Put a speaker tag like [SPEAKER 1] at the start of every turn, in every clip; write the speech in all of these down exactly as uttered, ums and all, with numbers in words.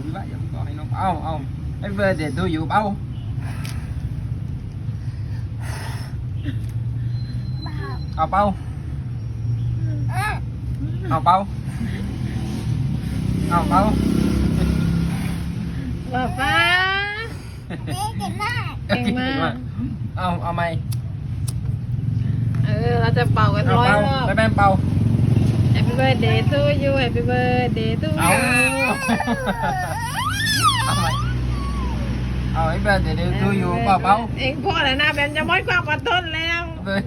[SPEAKER 1] พี่บ้าอย่าก็ให้น้องเอาเอาไอ้เบอร์เด็ดดูอยู่เป้าเอาเป้าเอาเป้าเอาเป้า
[SPEAKER 2] ป้าป้า
[SPEAKER 3] เก่งมาก
[SPEAKER 2] เก่งมาก
[SPEAKER 1] เอาเอาไหม
[SPEAKER 2] เออเราจะเป่ากัน
[SPEAKER 1] เอา
[SPEAKER 2] ร้อย
[SPEAKER 1] เป้าร
[SPEAKER 2] อบ
[SPEAKER 1] แม่แม่เป้า
[SPEAKER 2] Happy birthday to you Happy birthday to
[SPEAKER 1] เอา
[SPEAKER 2] you
[SPEAKER 1] เอาไหมเอาไอ้เบอร์เด็ดดูอยู่เป้าเป้า
[SPEAKER 2] เองพ่อแล้วนะแบมจะมดความอดทนแล้ว
[SPEAKER 1] เบอร์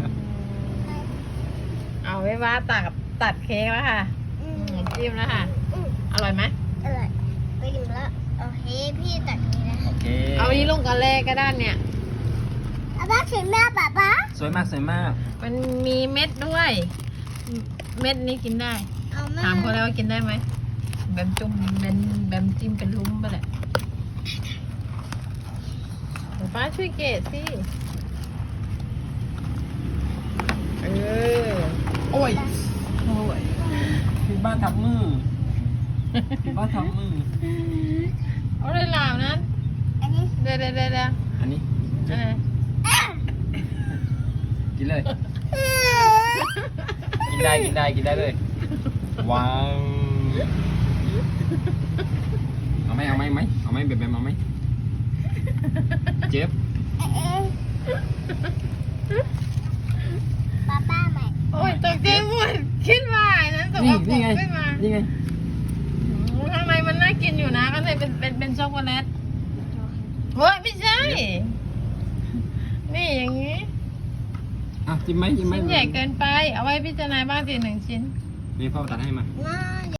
[SPEAKER 2] เอาไว้ว่าตัดตัดเค้กแล้วค่ะ
[SPEAKER 3] อื
[SPEAKER 2] อื
[SPEAKER 3] ม
[SPEAKER 2] มจิ้มแล้วค่ะ
[SPEAKER 3] อืม
[SPEAKER 2] อร่อยไหม
[SPEAKER 3] อร่อยไปอยู่แล้วโอเคพี่ตัดนี้นะ
[SPEAKER 1] โอเค
[SPEAKER 2] เอานี้ลงกันเลยก็ได้เนี่ย
[SPEAKER 3] อาบ้าถึงแม่ป้าป้า
[SPEAKER 1] สวยมากสวยมาก
[SPEAKER 2] มันมีเม็ดด้วย เม็ดนี้กินได้
[SPEAKER 3] เอาแม่
[SPEAKER 2] ถามเขาแล้วว่ากินได้ไหมแบมจุ่มแบมแบมจิ้มเป็นลุ้มไปแหละเดี๋ยวป้าช่วยเกดสิเออ
[SPEAKER 1] โอ้ยโอ้ยพี่บ้านทำมือพี่บ้านทำมือ
[SPEAKER 2] เอาเลยหลามนั้น
[SPEAKER 3] อันนี้
[SPEAKER 2] เดี๋ยวเดี๋ยวเดี๋ยวเดี๋ยว
[SPEAKER 1] อันนี้
[SPEAKER 2] เออ
[SPEAKER 1] กินเลย กินได้กินได้กินได้เลยว้าวเอาไหมเอาไหมไหมเอาไหมแบบแบบเอาไหมเจ็บ
[SPEAKER 3] เอ๊ะป้าป้าใหม่
[SPEAKER 2] โอ้ยตกใจหมดคิดว่าไอ้นั้นตก
[SPEAKER 1] นี่
[SPEAKER 2] ว่าป
[SPEAKER 1] นี่
[SPEAKER 2] ก
[SPEAKER 1] ไง
[SPEAKER 2] ขึ้นมา
[SPEAKER 1] นี่ไง
[SPEAKER 2] อืมข้างในมันน่ากินอยู่นะข้างในเป็นเป็นเป็นช็อกโกแลตเฮ้ยไม่ใช่ นี่อย่างนี้
[SPEAKER 1] อ่ะจิ้มไหมจิ้มไหม
[SPEAKER 2] ชิ้นใหญ่เกินไป เอาไว้พิจารณาบ้างสิหนึ่งชิ้น
[SPEAKER 1] นี่พ่อตัดให้มา
[SPEAKER 3] น่า